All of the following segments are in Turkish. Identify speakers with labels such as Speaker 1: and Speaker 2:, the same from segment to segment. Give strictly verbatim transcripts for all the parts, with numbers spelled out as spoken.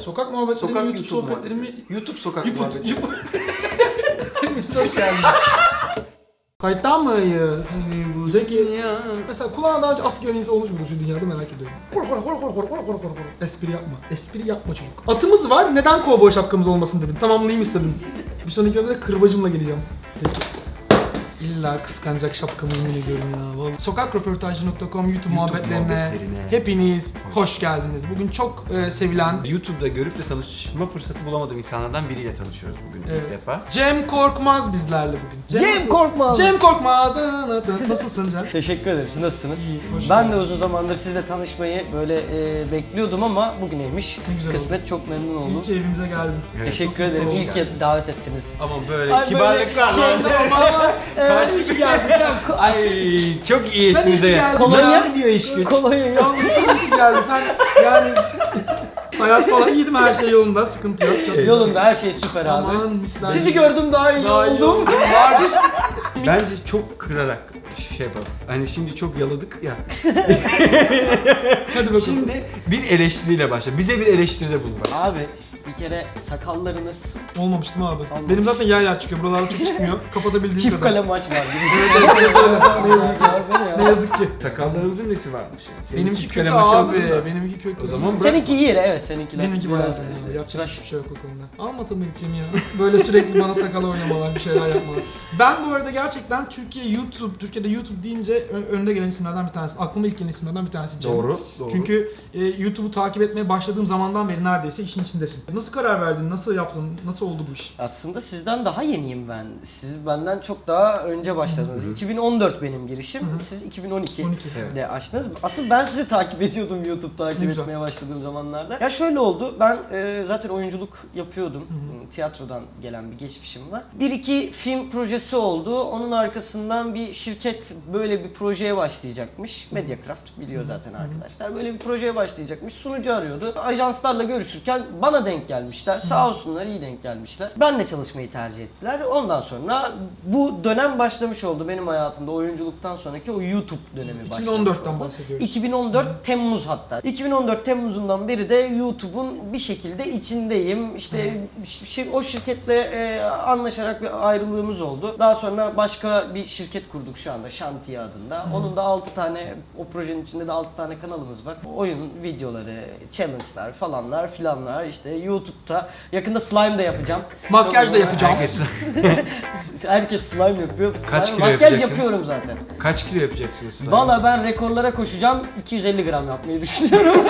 Speaker 1: Sokak muhabbetleri
Speaker 2: Sokak
Speaker 1: mi, YouTube,
Speaker 2: YouTube
Speaker 1: sohbetleri mi?
Speaker 2: muhabbeti. YouTube sokak
Speaker 1: YouTube,
Speaker 2: muhabbeti.
Speaker 1: YouTube. Hepimiz hoş geldiniz. Kayıttan mıyız? Zeki. Mesela kulağına daha önce at giren insan olmuş mudur şu dünyada merak ediyorum. Kor kor kor kor kor kor kor kor. Espri yapma. Espri yapma çocuk. Atımız var. Neden kovboy şapkamız olmasın dedim. Tamamlayayım istedim. Bir sonraki bölümde kırbacımla geleceğim. Peki. İlla kıskanacak şapkamı yemin ediyorum ya. Vallahi. sokak röportajı nokta com YouTube, YouTube muhabbetlerine,
Speaker 2: muhabbetlerine
Speaker 1: hepiniz hoş.
Speaker 2: hoş
Speaker 1: geldiniz. Bugün çok e, sevilen
Speaker 2: YouTube'da görüp de tanışma fırsatı bulamadığım insanlardan biriyle tanışıyoruz bugün
Speaker 1: Evet.
Speaker 2: ilk defa.
Speaker 1: Cem Korkmaz bizlerle bugün.
Speaker 3: Cem
Speaker 1: nasıl-
Speaker 3: Korkmaz.
Speaker 1: Cem Korkmaz. Nasılsın Cem?
Speaker 3: Teşekkür ederim. Siz nasılsınız?
Speaker 1: İyiyiz, hoş
Speaker 3: Ben
Speaker 1: geldin.
Speaker 3: de uzun zamandır sizle tanışmayı böyle e, bekliyordum ama bugüneymiş.
Speaker 1: Ne güzel
Speaker 3: Kısmet, çok memnun oldum.
Speaker 1: İyi ki evimize geldin.
Speaker 2: Evet.
Speaker 3: Teşekkür ederim.
Speaker 1: Hoş
Speaker 3: İyi ki davet ettiniz.
Speaker 2: Ama böyle
Speaker 3: Ay,
Speaker 2: kibarlıklarla.
Speaker 3: böyle şey-
Speaker 1: Ama
Speaker 3: Ee, iyi ki geldin sen.
Speaker 2: Ay çok iyi
Speaker 1: Sen iyi ki
Speaker 2: ettiniz
Speaker 1: geldin.
Speaker 3: Kolonya-
Speaker 2: Nasıl gidiyor iş güç?
Speaker 3: Kolonya yok.
Speaker 1: yalnız sen iyi ki geldin. Sen yani hayat falan iyiydi mi, her şey yolunda, sıkıntı yok. Çok
Speaker 3: Yolunda her şey süper abi.
Speaker 1: Aman misler.
Speaker 3: Sizi gördüm daha iyi
Speaker 1: Daha iyi
Speaker 3: oldum.
Speaker 1: oldum. Var.
Speaker 2: Bence çok kırarak şey yapalım. Hani şimdi çok yaladık ya.
Speaker 1: Hadi bakalım.
Speaker 2: Şimdi bir eleştiriyle başla. Bize bir eleştiride bulun.
Speaker 3: Abi bir kere sakallarınız
Speaker 1: Olmamıştım abi.
Speaker 3: Olmamış.
Speaker 1: Benim zaten yer yer çıkıyor. Buralarda çok çıkmıyor. Kapatabildiğim
Speaker 3: çift
Speaker 1: kadar.
Speaker 3: kale maç var gibi.
Speaker 1: Ne yazık ki. Ne yazık ki.
Speaker 2: Sakallarımızın nesi varmış yani? Senin
Speaker 1: Benimki
Speaker 2: çift
Speaker 1: kötü
Speaker 2: kale maçı
Speaker 1: abi.
Speaker 2: almadın da.
Speaker 1: Benimki kötü.
Speaker 2: O zaman bırak.
Speaker 3: Seninki iyi evet seninkiler.
Speaker 1: Benimki
Speaker 3: biraz
Speaker 1: bayağı
Speaker 3: öyle.
Speaker 1: fena. Yapacak
Speaker 3: Tıraş.
Speaker 1: hiçbir şey yok o konuda. Almasam ilk Cem'i ya. Böyle sürekli bana sakal oynamalar, bir şeyler yapmalar. Ben bu arada gerçekten Türkiye YouTube, Türkiye'de YouTube deyince ö- önde gelen isimlerden bir tanesi. Aklıma ilk gelen isimlerden bir tanesi Cem.
Speaker 2: Doğru, doğru.
Speaker 1: Çünkü e, YouTube'u takip etmeye başladığım zamandan beri neredeyse işin içindesin. Nasıl karar verdin? Nasıl yaptın? Nasıl oldu bu iş?
Speaker 3: Aslında sizden daha yeniyim ben. Siz benden çok daha önce başladınız.
Speaker 2: Hı hı.
Speaker 3: iki bin on dört benim girişim.
Speaker 1: Hı hı.
Speaker 3: Siz iki bin on iki.
Speaker 1: on iki.
Speaker 2: Evet.
Speaker 3: de açtınız. Asıl ben sizi takip ediyordum YouTube takip
Speaker 1: Ne güzel.
Speaker 3: etmeye başladığım zamanlarda. Ya şöyle oldu. Ben e, zaten oyunculuk yapıyordum.
Speaker 1: Hı
Speaker 3: Tiyatrodan gelen bir geçmişim var. Bir iki film projesi oldu. Onun arkasından bir şirket böyle bir projeye başlayacakmış. Mediacraft biliyor zaten arkadaşlar. Böyle bir projeye başlayacakmış. Sunucu arıyordu. Ajanslarla görüşürken bana denk gelmişler. Sağ olsunlar iyi denk gelmişler. Benle çalışmayı tercih ettiler. Ondan sonra bu dönem başlamış oldu benim hayatımda. Oyunculuktan sonraki o YouTube dönemi başlamış
Speaker 1: iki bin on dörtten
Speaker 3: oldu.
Speaker 1: bahsediyoruz.
Speaker 3: iki bin on dört Temmuz hatta. iki bin on dört Temmuz'undan beri de YouTube'un bir şekilde içindeyim. İşte şi- o şirketle e, anlaşarak bir ayrılığımız oldu. Daha sonra başka bir şirket kurduk şu anda Şantiye adında. Onun da altı tane, o projenin içinde de altı tane kanalımız var. Oyun videoları, challenge'lar falanlar filanlar işte YouTube'da. Yakında slime de yapacağım.
Speaker 1: Makyaj da
Speaker 3: Çok-
Speaker 1: yapacağım.
Speaker 2: Herkes
Speaker 3: Herkes slime yapıyor.
Speaker 2: Kaç
Speaker 3: Slime-
Speaker 2: kilo
Speaker 3: Makyaj
Speaker 2: yapacaksınız?
Speaker 3: yapıyorum zaten.
Speaker 2: kaç kilo yapacaksınız? slime?
Speaker 3: Valla ben rekorlara koşacağım. iki yüz elli gram yapmayı düşünüyorum.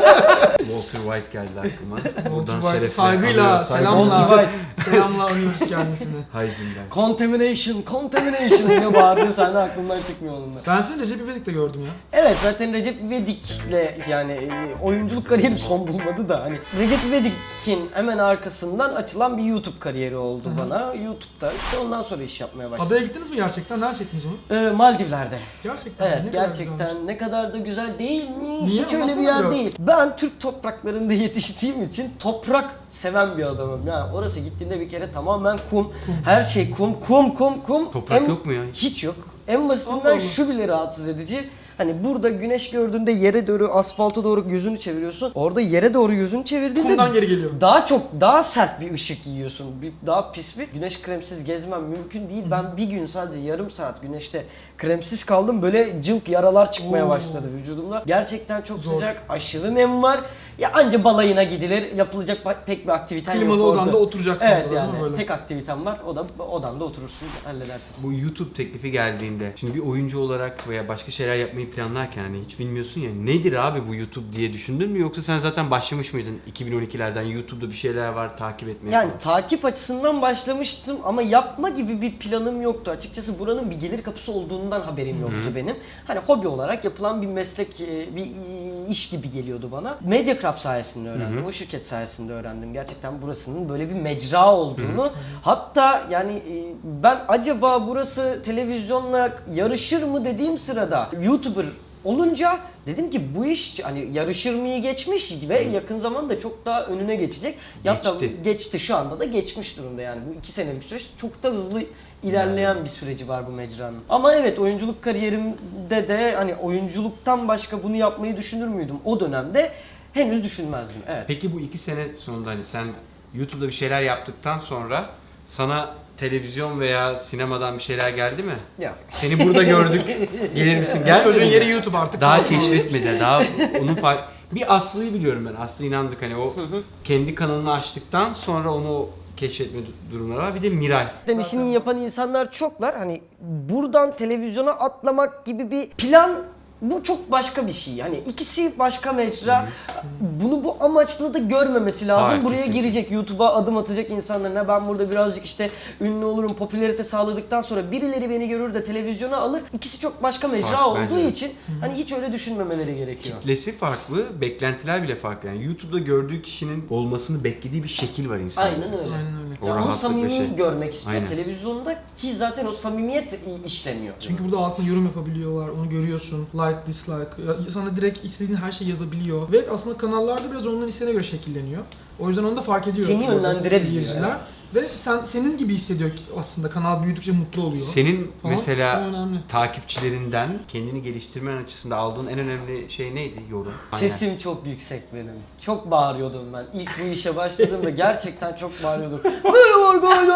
Speaker 2: Walter White geldi aklıma.
Speaker 1: Walter
Speaker 2: Buradan
Speaker 1: White
Speaker 2: şerefle
Speaker 1: saygıyla,
Speaker 2: anıyoruz,
Speaker 1: selamla.
Speaker 3: Walter White.
Speaker 1: Selamla anıyoruz kendisini.
Speaker 2: Heisenberg.
Speaker 3: Contamination, contamination diye bağırdığı sahne aklımdan çıkmıyor onun da.
Speaker 1: Ben seni Recep İvedik'te gördüm ya.
Speaker 3: Evet zaten Recep İvedik'le yani e, oyunculuk kariyerim son bulmadı da hani Recep İvedik'in hemen arkasından açılan bir YouTube kariyeri oldu
Speaker 1: Hı hı.
Speaker 3: bana. YouTube'da işte ondan sonra iş yapmaya başladım.
Speaker 1: Adaya gittiniz mi gerçekten? Nerede çektiniz onu?
Speaker 3: Ee, Maldivler'de.
Speaker 1: Gerçekten.
Speaker 3: Evet
Speaker 1: ne kadar
Speaker 3: gerçekten
Speaker 1: güzelmiş.
Speaker 3: ne kadar da güzel değil mi?
Speaker 1: Niye?
Speaker 3: Hiç öyle bir
Speaker 1: Anlatsana
Speaker 3: yer
Speaker 1: biraz.
Speaker 3: değil. Ben Türk topraklarında yetiştiğim için toprak seven bir adamım. Yani orası gittiğinde bir kere tamamen kum. Her şey kum, kum, kum, kum.
Speaker 2: Toprak
Speaker 3: En-
Speaker 2: yok mu ya?
Speaker 3: Hiç yok. En basitinden
Speaker 1: Allah Allah.
Speaker 3: şu bile rahatsız edici. Hani burada güneş gördüğünde yere doğru, asfalta doğru yüzünü çeviriyorsun. Orada yere doğru yüzünü çevirdiğinde
Speaker 1: Kumdan geri geliyor.
Speaker 3: daha çok, daha sert bir ışık yiyorsun. Bir, daha pis bir. Güneş kremsiz gezmem mümkün değil. Ben bir gün sadece yarım saat güneşte kremsiz kaldım. Böyle cılk yaralar çıkmaya
Speaker 1: Oo.
Speaker 3: başladı vücudumda. Gerçekten çok
Speaker 1: Zor.
Speaker 3: sıcak, aşırı nem var. Ya anca balayına gidilir. Yapılacak ba- pek bir aktiviten yok
Speaker 1: Klimalı
Speaker 3: orada.
Speaker 1: odanda oturacaksın
Speaker 3: Evet
Speaker 1: orada, değil mi
Speaker 3: yani
Speaker 1: böyle?
Speaker 3: tek aktivitem var. O da odanda oturursun, halledersin.
Speaker 2: Bu YouTube teklifi geldiğinde şimdi bir oyuncu olarak veya başka şeyler yapmayı planlarken hani hiç bilmiyorsun ya nedir abi bu YouTube diye düşündün mü yoksa sen zaten başlamış mıydın iki bin on ikilerden YouTube'da bir şeyler var takip etmeye
Speaker 3: Yani
Speaker 2: falan?
Speaker 3: takip açısından başlamıştım ama yapma gibi bir planım yoktu. Açıkçası buranın bir gelir kapısı olduğundan haberim yoktu
Speaker 2: Hı hı.
Speaker 3: benim. Hani hobi olarak yapılan bir meslek, e, bir iş gibi geliyordu bana. Mediacraft sayesinde öğrendim.
Speaker 2: Hı hı.
Speaker 3: O şirket sayesinde öğrendim. Gerçekten burasının böyle bir mecra olduğunu. Hatta yani e, ben acaba burası televizyonla yarışır mı dediğim sırada YouTuber olunca dedim ki bu iş hani yarışır mıyı geçmiş ve yakın zamanda çok daha önüne geçecek. Hatta
Speaker 2: Geçti.
Speaker 3: geçti şu anda da geçmiş durumda yani bu iki senelik süreç çok da hızlı ilerleyen bir süreci var bu mecranın. Ama evet oyunculuk kariyerimde de hani oyunculuktan başka bunu yapmayı düşünür müydüm o dönemde? henüz düşünmezdim. Evet.
Speaker 2: Peki bu iki sene sonunda hani sen YouTube'da bir şeyler yaptıktan sonra sana televizyon veya sinemadan bir şeyler geldi mi?
Speaker 3: Ya.
Speaker 2: Seni burada gördük. Gelir misin? Gel.
Speaker 1: Çocuğun yeri YouTube artık.
Speaker 2: Daha
Speaker 1: kalsın.
Speaker 2: keşfetmedi. Daha onun fark... Bir Aslı'yı biliyorum ben. Aslı inandık hani o kendi kanalını açtıktan sonra onu keşfetme du- durumları var. Bir de Miray.
Speaker 3: Zaten işini yapan insanlar çoklar. Hani buradan televizyona atlamak gibi bir plan, bu çok başka bir şey. Hani ikisi başka mecra. Bunu bu amaçla da görmemesi lazım.
Speaker 2: Hayır,
Speaker 3: Buraya
Speaker 2: kesinlikle.
Speaker 3: girecek, YouTube'a adım atacak insanlarına ben burada birazcık işte ünlü olurum, popülarite sağladıktan sonra birileri beni görür de televizyona alır. İkisi çok başka mecra
Speaker 2: Farklı,
Speaker 3: olduğu
Speaker 2: bence de.
Speaker 3: için hani hiç öyle düşünmemeleri gerekiyor.
Speaker 2: Kitlesi farklı, beklentiler bile farklı. Yani YouTube'da gördüğü kişinin olmasını beklediği bir şekil var insanın.
Speaker 3: Aynen öyle.
Speaker 1: Aynen öyle.
Speaker 2: O
Speaker 3: Ya onu
Speaker 2: rahatlık ve
Speaker 3: samimi
Speaker 2: şey.
Speaker 3: görmek istiyor
Speaker 2: Aynen.
Speaker 3: televizyonda ki zaten o samimiyet işlemiyor.
Speaker 1: Çünkü burada altına yorum yapabiliyorlar, onu görüyorsun. Like, dislike. Ya sana direkt istediğin her şeyi yazabiliyor. Ve aslında kanallarda biraz onların isteğine göre şekilleniyor. O yüzden onu da fark ediyor.
Speaker 3: Seni
Speaker 1: orada
Speaker 3: yönlendirebiliyor
Speaker 1: seyirciler.
Speaker 3: yani.
Speaker 1: Ve sen senin gibi hissediyor ki aslında kanal büyüdükçe mutlu oluyor.
Speaker 2: Senin
Speaker 1: Falan.
Speaker 2: mesela
Speaker 1: O önemli.
Speaker 2: takipçilerinden kendini geliştirmen açısından aldığın en önemli şey neydi? Yorum. Aynen.
Speaker 3: Sesim çok yüksek benim. Çok bağırıyordum ben. İlk bu işe başladığımda gerçekten çok bağırıyordum. Merhaba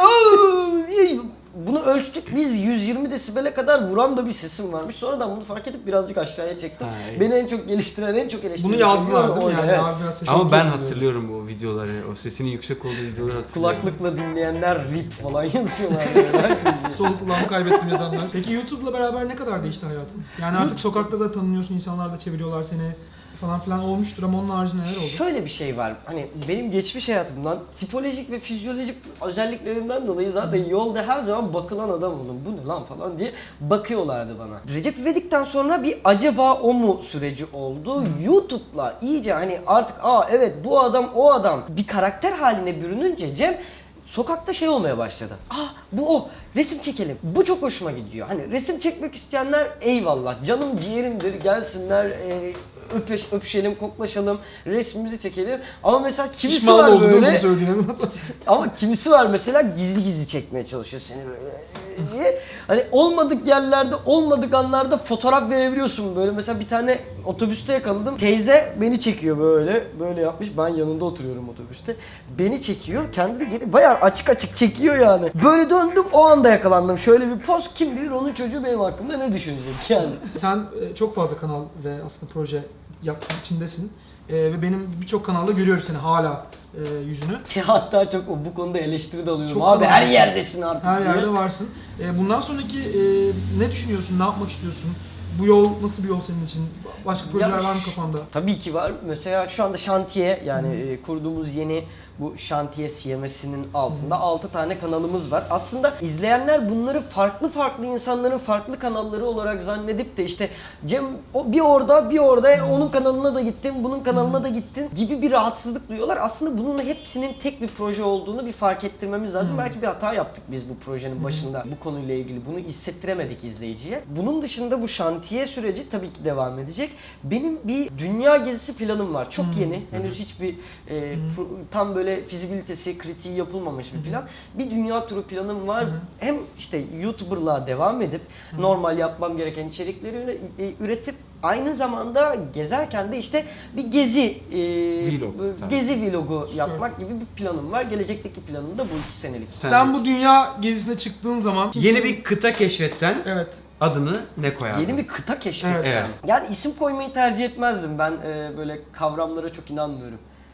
Speaker 3: arkadaşlar. Bunu ölçtük biz, yüz yirmi desibele kadar vuran da bir sesim varmış. Sonradan bunu fark edip birazcık aşağıya çektim.
Speaker 2: Ha, iyi.
Speaker 3: Beni en çok geliştiren, en çok eleştiren.
Speaker 1: Bunu yazdılar değil mi?
Speaker 3: oydu,
Speaker 1: Yani
Speaker 3: evet.
Speaker 1: abi biraz sesini
Speaker 2: Ama ben
Speaker 1: bozuluyor.
Speaker 2: hatırlıyorum o videoları. O sesinin yüksek olduğu videoları hatırlıyorum.
Speaker 3: Kulaklıkla dinleyenler rip falan yazıyorlar. Yani.
Speaker 1: Sol kulağımı kaybettim yazanlar. Peki YouTube'la beraber ne kadar değişti hayatın? Yani artık sokakta da tanınıyorsun, insanlar da çeviriyorlar seni falan filan olmuştur ama onun haricinde neler oldu?
Speaker 3: Şöyle bir şey var. Hani benim geçmiş hayatımdan tipolojik ve fizyolojik özelliklerimden dolayı zaten yolda her zaman bakılan adam oldum. Bu ne lan falan diye bakıyorlardı bana. Recep İvedik'ten sonra bir acaba o mu süreci oldu. YouTube'la iyice hani artık aa evet bu adam o adam bir karakter haline bürününce Cem sokakta şey olmaya başladı. Ah bu o. Resim çekelim. Bu çok hoşuma gidiyor. Hani resim çekmek isteyenler eyvallah. Canım ciğerimdir. Gelsinler e, öpeş, öpüşelim, koklaşalım, resmimizi çekelim. Ama mesela kimisi
Speaker 1: Pişman
Speaker 3: var
Speaker 1: oldum
Speaker 3: böyle.
Speaker 1: bunu söylediğine nasıl?
Speaker 3: Ama kimisi var mesela gizli gizli çekmeye çalışıyor seni böyle diye. Hani olmadık yerlerde, olmadık anlarda fotoğraf verebiliyorsun böyle. Mesela bir tane otobüste yakaladım. Teyze beni çekiyor böyle. Böyle yapmış. Ben yanında oturuyorum otobüste. Beni çekiyor. Kendi de geri bayağı açık açık çekiyor yani. Böyle döndüm o anda yakalandım. Şöyle bir poz, kim bilir onun çocuğu benim hakkımda ne düşünecek yani.
Speaker 1: Sen e, çok fazla kanal ve aslında proje yaptığın içindesin. E, ve benim birçok kanalda görüyoruz seni hala e, yüzünü.
Speaker 3: Hatta çok bu konuda eleştiri de alıyorum.
Speaker 1: Çok
Speaker 3: Abi her
Speaker 1: kanal-
Speaker 3: yerdesin artık
Speaker 1: Her
Speaker 3: diye.
Speaker 1: yerde varsın. E, bundan sonraki e, ne düşünüyorsun, ne yapmak istiyorsun? Bu yol nasıl bir yol senin için? Başka projeler
Speaker 3: Ya
Speaker 1: var mı kafanda?
Speaker 3: Tabii ki var. Mesela şu anda şantiye yani e, kurduğumuz yeni bu şantiye C M S'inin altında altı tane kanalımız var. Aslında izleyenler bunları farklı farklı insanların farklı kanalları olarak zannedip de işte Cem o bir orada bir orada e, onun kanalına da gittin, bunun kanalına da gittin gibi bir rahatsızlık duyuyorlar. Aslında bunun hepsinin tek bir proje olduğunu bir fark ettirmemiz lazım. Belki bir hata yaptık biz bu projenin başında bu konuyla ilgili. Bunu hissettiremedik izleyiciye. Bunun dışında bu şantiye süreci tabii ki devam edecek. Benim bir dünya gezisi planım var. Çok yeni. Henüz hiçbir e, pro- tam böyle fizibilitesi, kritiği yapılmamış bir plan. Bir dünya turu planım var. Hem işte YouTuber'lığa devam edip normal yapmam gereken içerikleri üre- e, üretip aynı zamanda gezerken de işte bir gezi e,
Speaker 2: Vlog,
Speaker 3: e,
Speaker 2: tabii.
Speaker 3: gezi vlogu
Speaker 1: Süper.
Speaker 3: yapmak gibi bir planım var. Gelecekteki planım da bu iki senelik.
Speaker 1: Sen bu dünya gezisine çıktığın zaman...
Speaker 2: Yeni bir kıta keşfetsen
Speaker 1: Evet.
Speaker 2: adını ne koyardın?
Speaker 3: Yeni bir kıta keşfettim.
Speaker 1: Evet.
Speaker 2: Evet.
Speaker 3: Yani isim koymayı tercih etmezdim. Ben e, böyle kavramlara çok inanmıyorum.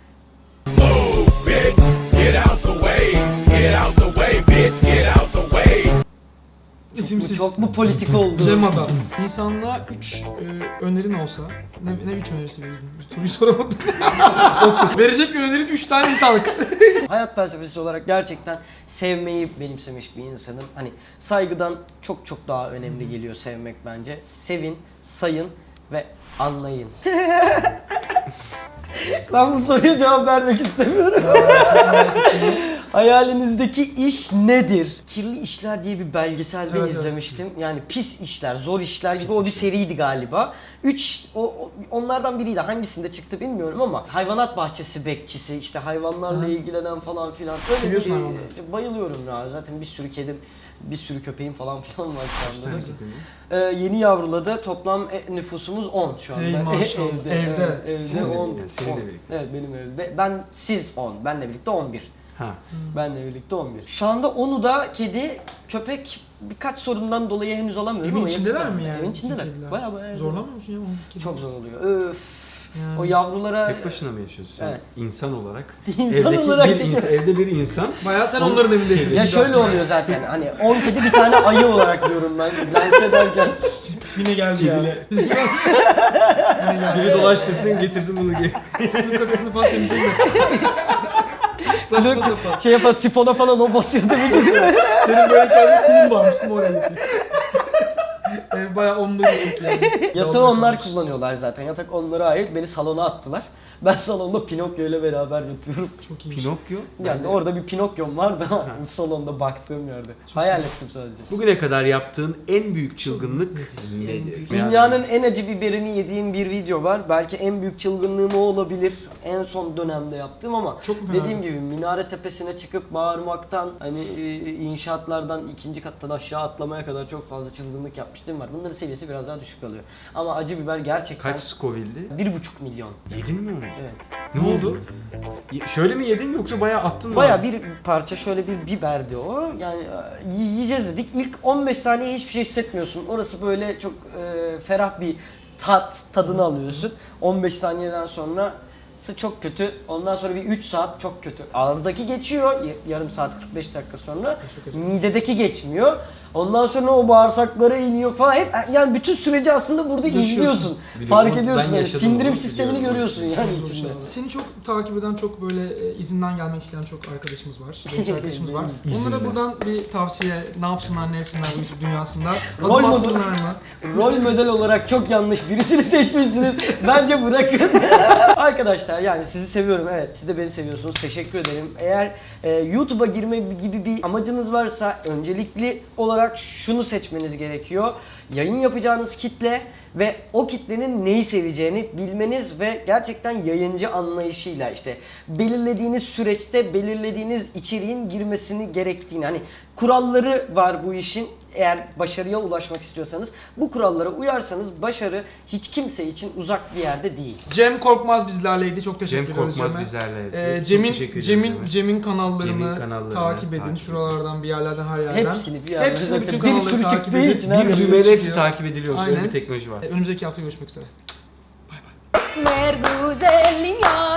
Speaker 4: Bitch, get out the way, get out the way, bitch, get out the way.
Speaker 3: Bu
Speaker 1: İsimsiz.
Speaker 3: çok mu politik oldu?
Speaker 1: Cem Adam. İnsanlığa üç e, önerin olsa, ne, ne üç önerisi verirdin? Bir soruyu soramadım. Verecek bir önerin üç tane insanlık.
Speaker 3: Hayat felsefesi olarak gerçekten sevmeyi benimsemiş bir insanım. Hani saygıdan çok çok daha önemli geliyor sevmek bence. Sevin, sayın ve anlayın. Ben bu soruya cevap vermek istemiyorum. Hayalinizdeki iş nedir? Kirli İşler diye bir belgeselde
Speaker 1: Evet, evet.
Speaker 3: izlemiştim. Yani pis işler, zor işler gibi o bir seriydi galiba. Üç, o, o- onlardan biriydi. Hangisinde çıktı bilmiyorum ama hayvanat bahçesi bekçisi, işte hayvanlarla
Speaker 1: Hı.
Speaker 3: ilgilenen falan filan. Öyle
Speaker 1: Seviyorsun
Speaker 3: bir-
Speaker 1: hayvanları.
Speaker 3: Bayılıyorum ya. Zaten bir sürü kedim, bir sürü köpeğim falan filan var şu anda.
Speaker 2: Kaç tane köpeğin var?
Speaker 3: Ee, yeni yavruladı. Toplam e, nüfusumuz on şu anda.
Speaker 1: Ey maşallah.
Speaker 3: evde.
Speaker 1: Evde.
Speaker 3: Evet, evde
Speaker 2: Seninle
Speaker 3: on.
Speaker 2: birlikte, seninle
Speaker 3: on.
Speaker 2: birlikte.
Speaker 3: Evet benim evde. Ben siz on. Benle birlikte on bir.
Speaker 2: Ha.
Speaker 3: Benle birlikte on bir. Şu anda onu da kedi, köpek birkaç sorundan dolayı henüz alamıyorum
Speaker 1: Evin
Speaker 3: ama
Speaker 1: içindeler
Speaker 3: yapacağım.
Speaker 1: mi yani?
Speaker 3: Evin
Speaker 1: bütün
Speaker 3: içindeler.
Speaker 1: kediler?
Speaker 3: Baya baya.
Speaker 1: Zorlamıyor musun ya? on kedi?
Speaker 3: Çok zor oluyor. Öf.
Speaker 1: Yani.
Speaker 3: O yavrulara
Speaker 2: Tek başına mı yaşıyorsun sen?
Speaker 3: Evet.
Speaker 2: İnsan olarak.
Speaker 3: İnsan
Speaker 2: evdeki
Speaker 3: olarak
Speaker 2: bir
Speaker 3: tek-
Speaker 2: insan, evde bir insan.
Speaker 1: Bayağı sen
Speaker 2: On-
Speaker 1: onların evinde yaşıyorsun.
Speaker 3: ya şöyle oluyor zaten. Hani on kedi bir tane ayı olarak diyorum ben. Dans ederken.
Speaker 1: Yine geldi ya.
Speaker 2: Kediyle.
Speaker 1: Bizim Yine geldi.
Speaker 2: Biri dolaştırsın getirsin bunu geri.
Speaker 1: Bunun kakasını falan temizleyin de. Saçma sapan.
Speaker 3: Şey yapar, sifona falan o basıyor değil mi?
Speaker 1: Senin böyle içeride kulun varmış değil mi oraya gitmiş. Ev bayağı onunla çok yani.
Speaker 3: Yatağı
Speaker 1: Yavru
Speaker 3: onlar
Speaker 1: kalmış.
Speaker 3: kullanıyorlar zaten. Yatak onlara ait. Beni salona attılar. Ben salonda Pinokyo ile beraber yatıyorum.
Speaker 1: Çok iyi.
Speaker 2: Pinokyo.
Speaker 3: Yani orada bir Pinokyo'm var da salonda baktığım yerde. Hayal ettim sadece.
Speaker 2: Bugüne kadar yaptığın en büyük çılgınlık nedir?
Speaker 3: Dünyanın en acı biberini yediğim bir video var. Belki en büyük çılgınlığım o olabilir. En son dönemde yaptığım ama
Speaker 1: Çok mu fena?
Speaker 3: dediğim gibi minare tepesine çıkıp bağırmaktan hani e, inşaatlardan ikinci kattan aşağı atlamaya kadar çok fazla çılgınlık yapmıştım var. Bunların seviyesi biraz daha düşük kalıyor. Ama acı biber gerçekten
Speaker 2: Kaç Scoville'di?
Speaker 3: bir buçuk milyon.
Speaker 2: Yedin mi onu?
Speaker 3: Evet.
Speaker 2: Ne oldu? Y- Şöyle mi yedin yoksa bayağı attın mı?
Speaker 3: Baya bir parça şöyle bir biberdi o. Yani e, yiyeceğiz dedik. İlk on beş saniye hiçbir şey hissetmiyorsun. Orası böyle çok e, ferah bir tat, tadını alıyorsun. on beş saniyeden sonra çok kötü. Ondan sonra bir üç saat çok kötü. Ağızdaki geçiyor y- yarım saat kırk beş dakika sonra.
Speaker 1: Çok acı.
Speaker 3: Midedeki geçmiyor. Ondan sonra o bağırsaklara iniyor falan. Hep yani bütün süreci aslında burada
Speaker 1: Yaşıyorsun.
Speaker 3: izliyorsun.
Speaker 2: Biliyorum,
Speaker 3: Fark
Speaker 2: ben
Speaker 3: ediyorsun yani
Speaker 2: yaşadım
Speaker 3: sindirim
Speaker 2: onu,
Speaker 3: sistemini
Speaker 2: biliyorum.
Speaker 3: görüyorsun yani
Speaker 1: Çok zor
Speaker 3: içinde.
Speaker 1: şeyler. Seni çok takip eden çok böyle e, izinden gelmek isteyen çok arkadaşımız var. Genç arkadaşımız var. Onlara buradan bir tavsiye, ne yapsınlar, ne etsinler bu YouTube dünyasında?
Speaker 3: Rol
Speaker 1: Adım
Speaker 3: model-
Speaker 1: atsınlar mı?
Speaker 3: Rol model olarak çok yanlış birisini seçmişsiniz. Bence bırakın. Arkadaşlar yani sizi seviyorum. Evet siz de beni seviyorsunuz. Teşekkür ederim. Eğer e, YouTube'a girme gibi bir amacınız varsa öncelikli olarak şunu seçmeniz gerekiyor. Yayın yapacağınız kitle ve o kitlenin neyi seveceğini bilmeniz ve gerçekten yayıncı anlayışıyla işte belirlediğiniz süreçte belirlediğiniz içeriğin girmesini gerektiğini hani kuralları var bu işin. Eğer başarıya ulaşmak istiyorsanız bu kurallara uyarsanız başarı hiç kimse için uzak bir yerde değil.
Speaker 1: Cem Korkmaz bizlerleydi. Çok teşekkür
Speaker 2: Cem
Speaker 1: ederiz
Speaker 2: Korkmaz
Speaker 1: Cem'e.
Speaker 2: bizlerleydi.
Speaker 1: Ee,
Speaker 2: Çok
Speaker 1: Cem'in
Speaker 2: teşekkür ediyoruz
Speaker 1: Cem'in
Speaker 2: Cem'e.
Speaker 1: Cem'in kanallarını,
Speaker 2: Cem'in kanallarını
Speaker 1: takip edin.
Speaker 2: takip
Speaker 1: Şuralardan bir yerlerden her yerden.
Speaker 3: Hepsini bir yerden
Speaker 1: Hepsini
Speaker 3: zaten
Speaker 1: bütün
Speaker 3: bir
Speaker 1: kanalları
Speaker 3: sürü
Speaker 1: takip
Speaker 3: çıktığı
Speaker 1: edin.
Speaker 3: için
Speaker 2: Bir
Speaker 3: her
Speaker 1: sürü
Speaker 2: düğmeyle hepsi
Speaker 1: çıkıyor.
Speaker 2: takip ediliyor. Öyle
Speaker 1: Aynen.
Speaker 2: bir teknoloji var.
Speaker 1: Önümüzdeki hafta görüşmek üzere.
Speaker 5: Mer güzelim yar